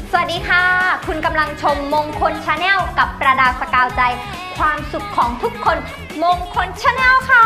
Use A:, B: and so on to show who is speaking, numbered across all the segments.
A: สวัสดีค่ะคุณกำลังชมมงคลชาแนลกับประดาสกาวใจความสุขของทุกคนมงคลชาแนลค่ะ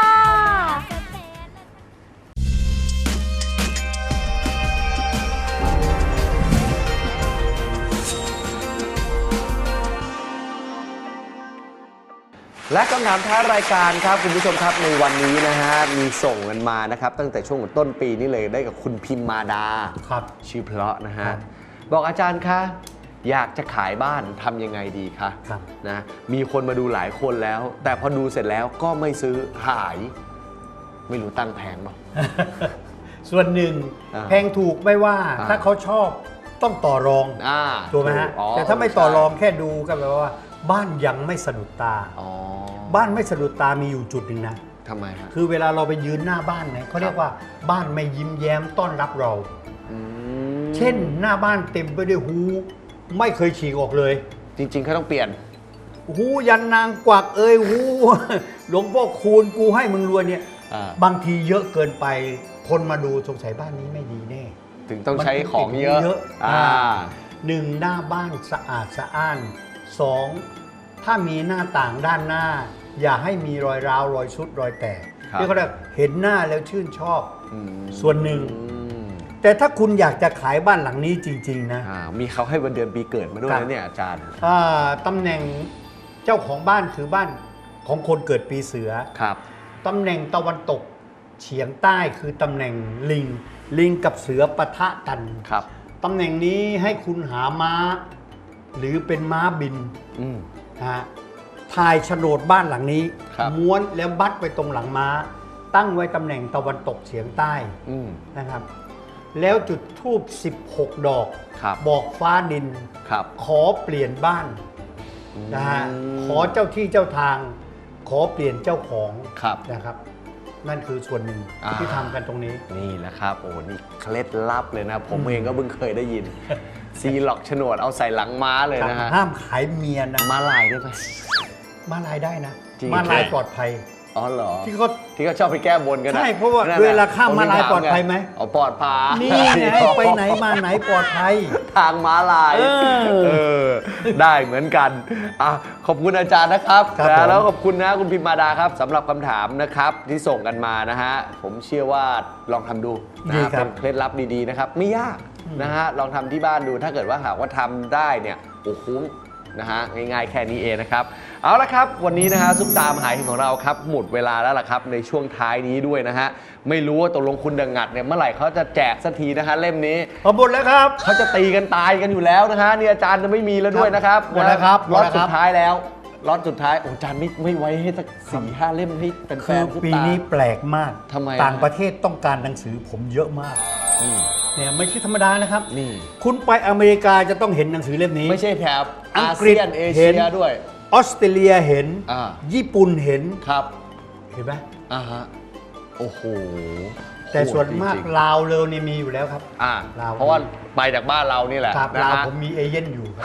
B: และคำถามท้ารายการครับคุณผู้ชมครับในวันนี้นะฮะมีส่งกันมานะครับตั้งแต่ช่วงต้นปีนี้เลยได้กับคุณพิมมาดา
C: ครับ
B: ชื่อเพราะนะฮะบอกอาจารย์คะอยากจะขายบ้านทำยังไงดีคะนะมีคนมาดูหลายคนแล้วแต่พอดูเสร็จแล้วก็ไม่ซื้อขายไม่รู้ตั้งแพงเปล่า
C: ส่วนหนึ่งแพงถูกไม่ว่าถ้าเขาชอบต้องต่อรองถูกไหมฮะแต่ถ้าไม่ต่อรองแค่ดูก็แปลว่าบ้านยังไม่สะดุดตาบ้านไม่สะดุดตามีอยู่จุดหนึ่งนะ
B: ทำไมครับ
C: คือเวลาเราไปยืนหน้าบ้านเนี่ยเขาเรียกว่าบ้านไม่ยิ้มแย้มต้อนรับเราเช่นหน้าบ้านเต็มไปด้วยหูไม่เคยฉีกออกเลย
B: จริงๆเขาต้องเปลี่ยน
C: หูยันนางกวักหูหลวงพ่อคูณกูให้มึงรวยเนี่ยบางทีเยอะเกินไปคนมาดูสงสัยบ้านนี้ไม่ดีแน่
B: ถึงต้องใช้ของเยอะ
C: หนึ่งหน้าบ้านสะอาดสะอ้านสองถ้ามีหน้าต่างด้านหน้าอย่าให้มีรอยร้าวรอยชุดรอยแตกที่เขาเรียกเห็นหน้าแล้วชื่นชอบส่วนหนึ่งแต่ถ้าคุณอยากจะขายบ้านหลังนี้จริงๆนะ
B: มีเขาให้วันเดือนปีเกิดมาด้วยนะเนี่ยอาจารย์
C: ตำแหน่งเจ้าของบ้านคือบ้านของคนเกิดปีเสือ
B: ครับ
C: ตำแหน่งตะวันตกเฉียงใต้คือตำแหน่งลิงกับเสือปะทะกัน
B: ครับ
C: ตำแหน่งนี้ให้คุณหาม้าหรือเป็นม้าบินถ่ายโฉนดบ้านหลังนี้ม้วนแล้วบัดไปตรงหลังม้าตั้งไว้ตำแหน่งตะวันตกเฉียงใต้นะครับแล้วจุดธูป16 ดอกบอกฟ้าดินขอเปลี่ยนบ้านนะฮะขอเจ้าที่เจ้าทางขอเปลี่ยนเจ้าของนะครับนั่นคือส่วนหนึ่งที่ทำกันตรงนี้
B: นี่แหละครับโอ้นี่เคล็ดลับเลยนะผมเองก็เพิ่งเคยได้ยินซีล็อกโฉนดเอาใส่หลังม้าเลยนะฮะ
C: ห้ามขายเมียนะ
B: ม้าลายได้ไหม
C: ม้าลายได้นะม้าลายปลอดภัย
B: อ๋อเหรอ
C: ที่
B: เขาชอบไปแก้บนกัน
C: ใช่เพราะว่าเวลาข้ามม้าลายปลอดภัยไหม
B: ปลอดภัย
C: นี่ไงไปไหนมาไหนปลอดภัย
B: ทางม้าลายได้เหมือนกันขอบคุณอาจารย์นะครับแล้วขอบคุณนะคุณพิมมาดาครับสำหรับคำถามนะครับที่ส่งกันมานะฮะผมเชื่อว่าลองทำดูนะเป็นเคล็ดลับดีๆนะครับไม่ยากนะฮะลองทำที่บ้านดูถ้าเกิดว่าหากว่าทำได้เนี่ยโอ้คุ้มนะฮะง่ายๆแค่นี้เองนะครับเอาละครับวันนี้นะฮะซุปตามหาเห็นของเราครับหมดเวลาแล้วล่ะครับในช่วงท้ายนี้ด้วยนะฮะไม่รู้ว่าตกลงคุณดังงัดเนี่ยเมื่อไหร่เขาจะแจกสักทีนะฮะเล่มนี้
C: หมดแล้วครับ
B: เขาจะตีกันตายกันอยู่แล้วนะฮะนี่อาจารย์จะไม่มีแล้วด้วยนะครับ
C: หมดแล้วครับ
B: ล็อตสุดท้ายแล้วล็อตสุดท้ายอาจารย์ไม่ไว้ให้สัก4-5 เล่มให้เป็นแฟน
C: ซุปตาปีนี้แปลกมาก
B: ทำไม
C: ต่างประเทศต้องการหนังสือผมเยอะมากเนี่ยไม่ใช่ธรรมดานะครับ
B: นี่
C: คุณไปอเมริกาจะต้องเห็นหนังสือเล่มนี้
B: ไม่ใช่แถบอาเซียนเอเชียด้วย
C: ออสเตรเลียเห็นญี่ปุ่นเห็น
B: ครับ
C: เห็นไหม
B: ฮะโอ้โห
C: แต่ส่วนมากลาวเลยนี่มีอยู่แล้วครับ
B: เพราะว่าไปจากบ้านเรานี่แหละ
C: ลาวผมมีเอเย่นอยู่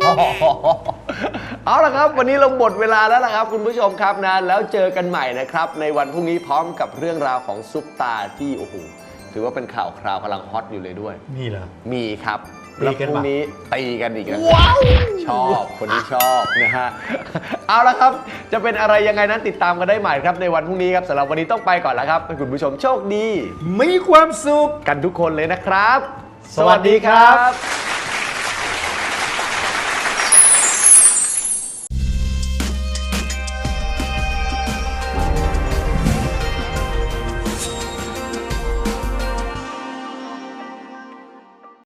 B: เอาละครับวันนี้เราหมดเวลาแล้วล่ะครับคุณผู้ชมครับนะแล้วเจอกันใหม่นะครับในวันพรุ่งนี้พร้อมกับเรื่องราวของซุปตาที่โอ้โหถือว่าเป็นข่าวคราวกำลังฮอตอยู่เลยด้วย
C: นี่เหรอ
B: มีครับแล้วพรุ่งนี้ตีกันอีกแล้วชอบคนที่ชอบนะฮะเอาละครับจะเป็นอะไรยังไงนั้นติดตามกันได้ใหม่ครับในวันพรุ่งนี้ครับสำหรับวันนี้ต้องไปก่อนแล้วครับให้คุณผู้ชมโชคดี
C: มีความสุข
B: กันทุกคนเลยนะครับสวัสดีครับ